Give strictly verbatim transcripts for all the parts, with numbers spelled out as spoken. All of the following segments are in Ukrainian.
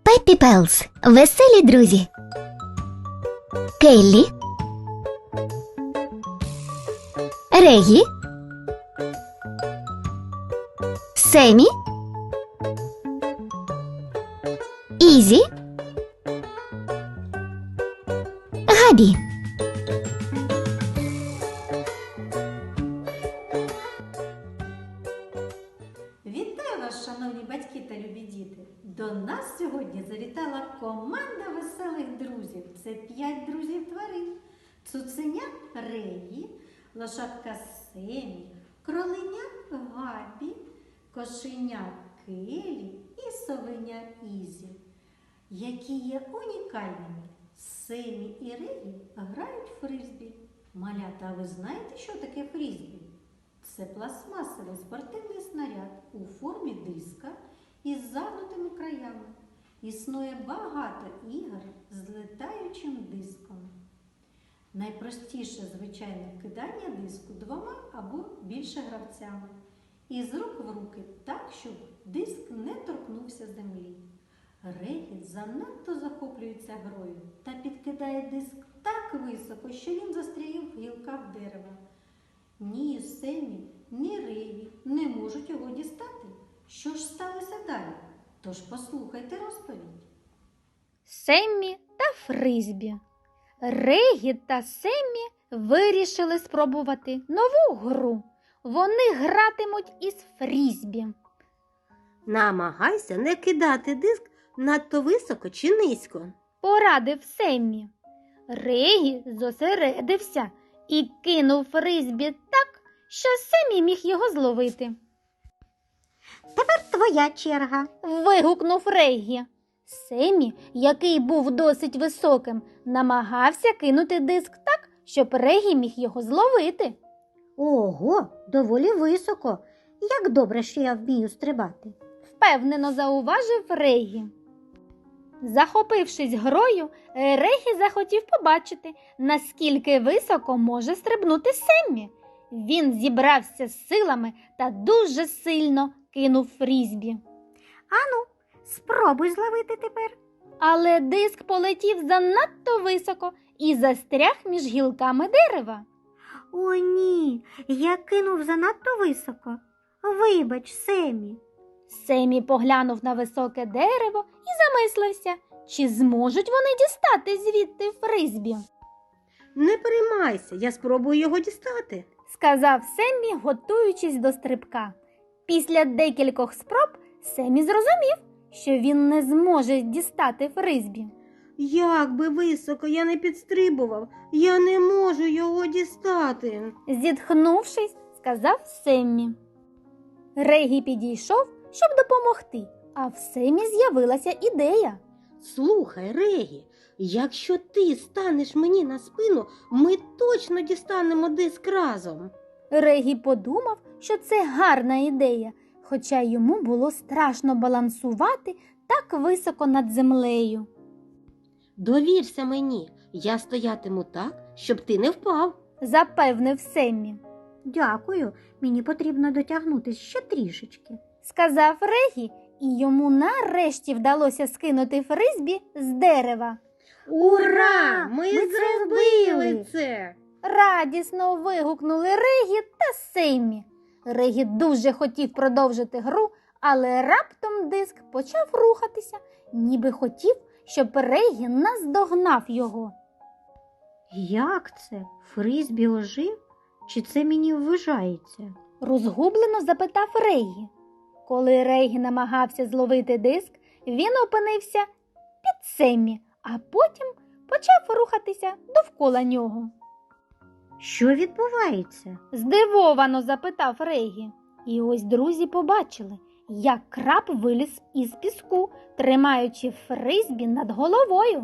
Пеппі Пелс. Веселі друзі. Келлі, Регі, Семі, Ізі, Габі. Вітаю вас, шановні батьки та любі діти! До нас сьогодні завітала команда веселих друзів. Це п'ять друзів тварин. Цуценя Регі, лошадка Семі, кроленя Габі, кошеня Келлі і совеня Ізі, які є унікальними. Семі і Регі грають в фризбі. Малята, а ви знаєте, що таке фризбі? Це пластмасовий спортивний снаряд у формі диска із загнутими краями. Існує багато ігор з летаючим диском. Найпростіше звичайне кидання диску двома або більше гравцями. Із рук в руки так, щоб диск не торкнувся землі. Регі занадто захоплюється грою та підкидає диск так високо, що він застряє в гілках дерева. Ні Семі, ні Регі не можуть його дістати. Що ж сталося далі? Тож послухайте розповідь. Семмі та фризбі. Регі та Семмі вирішили спробувати нову гру. Вони гратимуть із фрізбі. Намагайся не кидати диск надто високо чи низько. Порадив Семмі. Регі зосередився і кинув фризбі так, що Семмі міг його зловити. Тепер твоя черга. Вигукнув Регі. Семмі, який був досить високим, намагався кинути диск так, щоб Регі міг його зловити. Ого, доволі високо. Як добре, що я вмію стрибати. Впевнено зауважив Регі. Захопившись грою, Регі захотів побачити, наскільки високо може стрибнути Семмі. Він зібрався з силами та дуже сильно кинув фрізбі. Ану, спробуй зловити тепер. Але диск полетів занадто високо і застряг між гілками дерева. О, ні, я кинув занадто високо. Вибач, Семі. Семі поглянув на високе дерево і замислився, чи зможуть вони дістати звідти фризбі. Не переймайся, я спробую його дістати. Сказав Семмі, готуючись до стрибка. Після декількох спроб Семмі зрозумів, що він не зможе дістати фризбі. Як би високо я не підстрибував, я не можу його дістати. Зітхнувшись, сказав Семмі. Регі підійшов, щоб допомогти, а в Семмі з'явилася ідея. Слухай, Регі, якщо ти станеш мені на спину, ми точно дістанемо диск разом. Регі подумав, що це гарна ідея, хоча йому було страшно балансувати так високо над землею. Довірся мені, я стоятиму так, щоб ти не впав. Запевнив Семмі. Дякую, мені потрібно дотягнутися ще трішечки. Сказав Регі, і йому нарешті вдалося скинути фризбі з дерева. Ура! Ми, Ми це зробили зробили! це! Радісно вигукнули Регі та Семмі. Регі дуже хотів продовжити гру, але раптом диск почав рухатися, ніби хотів, щоб Регі наздогнав його. Як це? Фризбі ожив? Чи це мені вважається? Розгублено запитав Регі. Коли Регі намагався зловити диск, він опинився під Семмі, а потім почав рухатися довкола нього. Що відбувається? Здивовано запитав Регі. І ось друзі побачили, як краб виліз із піску, тримаючи фризбі над головою.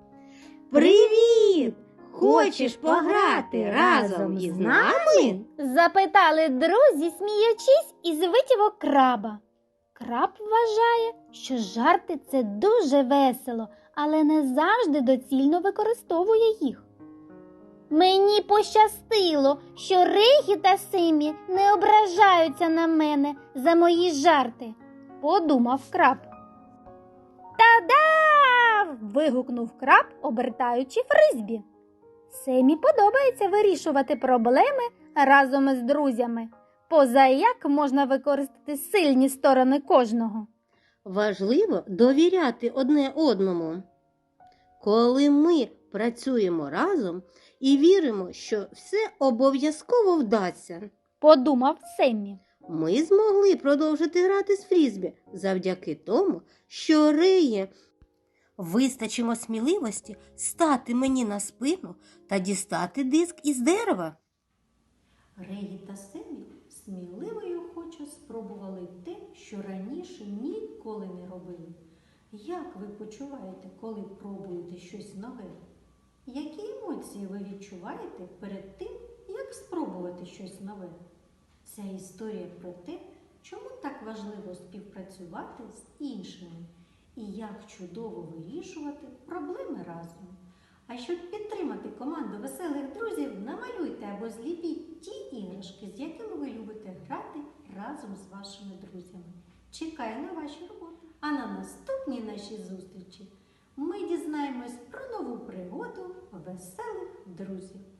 Привіт! Хочеш пограти разом із нами? Запитали друзі, сміючись із витівок краба. Краб вважає, що жарти – це дуже весело, але не завжди доцільно використовує їх. Мені пощастило, що Регі та Семмі не ображаються на мене за мої жарти, подумав краб. Та Ура-да! Вигукнув краб, обертаючи фризбі. Семі подобається вирішувати проблеми разом із друзями. Поза як можна використати сильні сторони кожного. Важливо довіряти одне одному. Коли ми працюємо разом і віримо, що все обов'язково вдасться, Подумав Семі. ми змогли продовжити грати з фрізбі завдяки тому, що Реї вистачило сміливості стати мені на спину та дістати диск із дерева. Регі та Семі сміливо й охоче спробували те, що раніше ніколи не робили. Як ви почуваєте, коли пробуєте щось нове? Які емоції ви відчуваєте перед тим, як спробувати щось нове? Ця історія про те, чому так важливо співпрацювати з іншими і як чудово вирішувати проблеми разом. А щоб підтримати команду веселих друзів, намалюйте або зліпіть ті іграшки, з якими ви любите грати разом з вашими друзями. Чекаю на ваші роботи. А на наступній нашій зустрічі ми дізнаємось про нову пригоду веселих друзів.